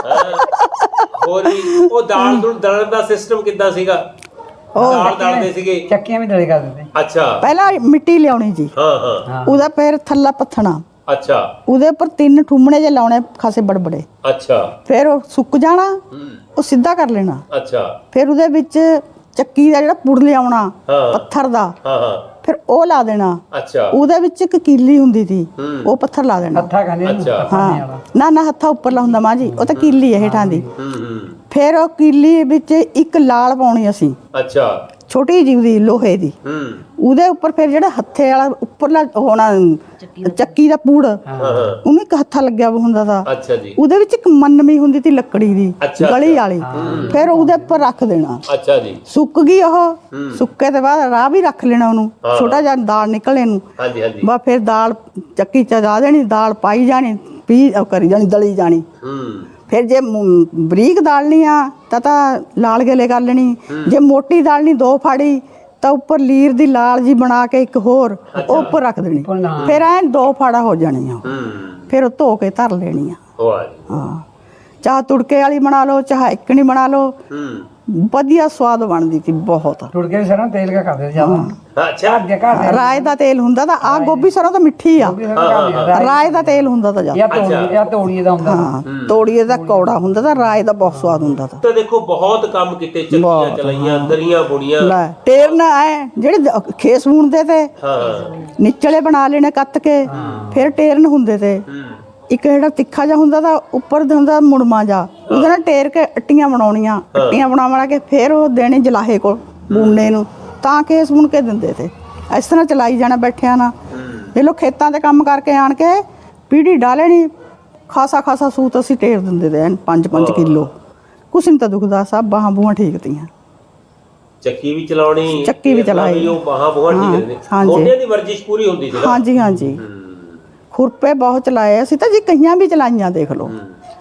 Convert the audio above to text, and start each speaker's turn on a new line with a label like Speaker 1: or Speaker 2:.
Speaker 1: ਹੋਰ ਵੀ ਉਹ ਦਾਲ ਨੂੰ ਦਲਣ ਦਾ ਸਿਸਟਮ ਕਿੱਦਾਂ ਸੀਗਾ? ਦਾਲ ਦਲਦੇ ਸੀਗੇ,
Speaker 2: ਚੱਕੀਆਂ ਵੀ ਦਲੇ ਕਰਦੇ ਤੇ।
Speaker 1: ਅੱਛਾ
Speaker 3: ਪਹਿਲਾਂ ਮਿੱਟੀ ਲਿਆਉਣੀ ਜੀ,
Speaker 1: ਹਾਂ ਹਾਂ
Speaker 3: ਉਹਦਾ ਫਿਰ ਥੱਲਾ ਪੱਥਣਾ,
Speaker 1: ਅੱਛਾ
Speaker 3: ਉਹਦੇ ਉੱਪਰ 3 ਠੁੰਮਣੇ ਜੇ ਲਾਉਣੇ ਖਾਸੇ ਬੜਬੜੇ,
Speaker 1: ਅੱਛਾ
Speaker 3: ਫਿਰ ਉਹ ਸੁੱਕ ਜਾਣਾ, ਉਹ ਸਿੱਧਾ ਕਰ ਲੈਣਾ।
Speaker 1: ਅੱਛਾ
Speaker 3: ਫਿਰ ਉਹਦੇ ਵਿੱਚ ਚੱਕੀ ਦਾ ਜਿਹੜਾ ਪੁੜ ਲਿਆਉਣਾ
Speaker 1: ਹਾਂ।
Speaker 3: ਪੱਥਰ ਦਾ,
Speaker 1: ਹਾਂ ਹਾਂ
Speaker 3: ਫਿਰ ਉਹ ਲਾ ਦੇਣਾ।
Speaker 1: ਅੱਛਾ
Speaker 3: ਉਹਦੇ ਵਿੱਚ ਇੱਕ ਕੀਲੀ ਹੁੰਦੀ ਸੀ, ਉਹ ਪੱਥਰ ਲਾ ਦੇਣਾ।
Speaker 2: ਹੱਥਾਂ ਖਾਣੇ ਨੂੰ
Speaker 1: ਅੱਛਾ।
Speaker 3: ਹਾਂ ਨਾ ਨਾ ਹੱਥਾਂ ਉੱਪਰਲਾ ਹੁੰਦਾ ਮਾਂ ਜੀ, ਉਹ ਤਾਂ ਕੀਲੀ ਹੈ ਹੇਠਾਂ ਦੀ।
Speaker 1: ਹੂੰ
Speaker 3: ਫਿਰ ਉਹ ਕੀਲੀ ਵਿੱਚ ਇੱਕ ਲਾਲ ਪਾਉਣੀ ਅਸੀਂ,
Speaker 1: ਅੱਛਾ
Speaker 3: ਛੋਟੀ ਜਿਹੀ ਦੀ ਲੋਹੇ ਦੀ,
Speaker 1: ਹੂੰ
Speaker 3: ਉਹਦੇ ਉੱਪਰ ਫਿਰ ਜਿਹੜਾ ਹੱਥੇ ਵਾਲਾ ਉੱਪਰਲਾ ਹੋਣਾ ਚੱਕੀ ਦਾ ਪੂੜ,
Speaker 1: ਹਾਂ ਹਾਂ
Speaker 3: ਉਹਨੂੰ ਇੱਕ ਹੱਥਾ ਲੱਗਿਆ ਵਾ ਹੁੰਦਾ ਤਾ।
Speaker 1: ਅੱਛਾ ਜੀ
Speaker 3: ਉਹਦੇ ਵਿੱਚ ਇੱਕ ਮੰਨਮੀ ਹੁੰਦੀ ਤੀ ਲੱਕੜੀ ਦੀ,
Speaker 1: ਅੱਛਾ,
Speaker 3: ਗਲੀ
Speaker 1: ਅੱਛਾ।
Speaker 3: ਵਾਲੀ, ਫਿਰ ਉਹਦੇ ਉੱਪਰ ਰੱਖ ਦੇਣਾ।
Speaker 1: ਅੱਛਾ ਜੀ
Speaker 3: ਸੁੱਕ ਗਈ ਉਹ, ਸੁੱਕੇ ਤੋਂ ਬਾਅਦ ਰਾਹ ਵੀ ਰੱਖ ਲੈਣਾ ਉਹਨੂੰ,
Speaker 1: ਹਾਂ।
Speaker 3: ਛੋਟਾ ਜਿਹਾ ਦਾਲ ਨਿਕਲੇ ਨੂੰ,
Speaker 1: ਹਾਂਜੀ ਹਾਂਜੀ
Speaker 3: ਬਸ ਫਿਰ ਦਾਲ ਚੱਕੀ ਚ ਲਾ ਦੇਣੀ, ਦਾਲ ਪਾਈ ਜਾਣੀ, ਉਹ ਕਰੀ ਜਾਣੀ, ਦਲੀ ਜਾਣੀ। ਫਿਰ ਜੇ ਬਰੀਕ ਦਾਲਣੀ ਆ ਤਾਂ ਲਾਲ ਗਲੇ ਕਰ ਲੈਣੀ, ਜੇ ਮੋਟੀ ਦਾਲਣੀ 2 ਫਾੜੀ ਤਾਂ ਉੱਪਰ ਲੀਰ ਦੀ ਲਾਲ ਜੀ ਬਣਾ ਕੇ ਇੱਕ ਹੋਰ ਉਹ ਉੱਪਰ ਰੱਖ ਦੇਣੀ, ਫਿਰ ਐਂ 2 ਫਾੜਾ ਹੋ ਜਾਣੀਆਂ। ਫਿਰ ਉਹ ਧੋ ਕੇ ਧਰ ਲੈਣੀਆਂ।
Speaker 1: ਵਾਹ ਜੀ
Speaker 3: ਹਾਂ, ਚਾਹ ਤੁੜਕੇ ਵਾਲੀ ਬਣਾ ਲਓ, ਚਾਹ ਇੱਕਣੀ ਬਣਾ ਲਓ, ਵਧੀਆ ਸਵਾਦ ਬਣਦੀ ਸੀ ਬਹੁਤ।
Speaker 2: ਟੁੜਕੇ ਸਰੋਂ ਤੇਲ ਕਾ ਕਰਦੇ ਜ਼ਿਆਦਾ।
Speaker 1: ਅੱਛਾ
Speaker 2: ਘਰ
Speaker 3: ਰਾਏ ਦਾ ਤੇਲ ਹੁੰਦਾ ਤਾਂ ਆ ਗੋਭੀ ਸਰੋਂ ਤਾਂ ਮਿੱਠੀ ਆ, ਰਾਏ ਦਾ ਤੇਲ ਹੁੰਦਾ ਤਾਂ ਜ਼ਿਆਦਾ।
Speaker 2: ਜਾਂ ਤੋੜੀਏ ਦਾ ਹੁੰਦਾ।
Speaker 3: ਹਾਂ, ਤੋੜੀਏ ਦਾ ਕੌੜਾ ਹੁੰਦਾ ਤਾਂ ਰਾਏ ਦਾ ਬਹੁਤ ਸਵਾਦ ਹੁੰਦਾ ਤਾਂ।
Speaker 1: ਤਾਂ ਦੇਖੋ ਬਹੁਤ ਕੰਮ ਕੀਤੇ, ਚੱਕੀਆਂ ਚਲਾਈਆਂ, ਦਰੀਆਂ ਬੁਣੀਆਂ।
Speaker 3: ਲੈ ਟੇਰਨ ਐ ਜਿਹੜੇ ਖੇਸ ਬੁਣਦੇ ਤੇ,
Speaker 1: ਹਾਂ
Speaker 3: ਨਿਚਲੇ ਬਣਾ ਲੈਣੇ ਕੱਤ ਕੇ, ਫਿਰ ਟੇਰਨ ਹੁੰਦੇ ਤੇ। ਇੱਕ ਜਿਹੜਾ ਤਿੱਖਾ ਜਿਹਾ ਹੁੰਦਾ ਤਾਂ ਉੱਪਰ ਦਾ ਹੁੰਦਾ ਮੁੜਮਾ ਜਾ, ਉਹਦੇ ਨਾਲ ਟੇਰ ਕੇ ਅੱਟੀਆਂ ਬਣਾਉਣੀਆਂ, ਅੱਟੀਆਂ ਬਣਾ ਕੇ ਫਿਰ ਉਹ ਦੇਣੇ ਜਲਾਹੇ ਕੋਲ ਬੁਣਨੇ ਨੂੰ, ਤਾਂ ਕੇਸ ਬੁਣ ਕੇ ਦਿੰਦੇ ਤੇ। ਇਸ ਤਰ੍ਹਾਂ ਚਲਾਈ ਜਾਣਾ ਬੈਠਿਆਂ ਨਾ। ਇਹ ਲੋ ਖੇਤਾਂ 'ਤੇ ਕੰਮ ਕਰਕੇ ਆਣ ਕੇ ਪੀੜੀ ਡਾਲਣੀ, ਖਾਸਾ ਸੂਤ ਅਸੀਂ ਟੇਰ ਦਿੰਦੇ ਤੇ 5-5 ਕਿਲੋ, ਕੁਛ ਨਹੀਂ ਤਾਂ ਦੁਖਦਾ, ਸਭ ਬਾਹਾਂ ਬੂਹਾਂ ਠੀਕ ਤੀਆਂ।
Speaker 1: ਚੱਕੀ ਵੀ ਚਲਾਉਣੀ,
Speaker 3: ਚੱਕੀ ਵੀ ਚਲਾਈ,
Speaker 1: ਉਹ ਬਾਹਾਂ ਬੂਹਾਂ ਠੀਕ ਰਹਿੰਦੇ,
Speaker 3: ਹਾਂਜੀ।
Speaker 1: ਮੋਢਿਆਂ ਦੀ ਵਰਜਿਸ਼ ਪੂਰੀ ਹੁੰਦੀ ਸੀ ਨਾ।
Speaker 3: ਹਾਂਜੀ ਹਾਂਜੀ, ਖੁਰਪੇ ਬਹੁਤ ਚਲਾਏ ਅਸੀਂ ਤਾਂ ਜੀ, ਕਈਆਂ ਵੀ ਚਲਾਈਆਂ ਦੇਖ ਲਓ।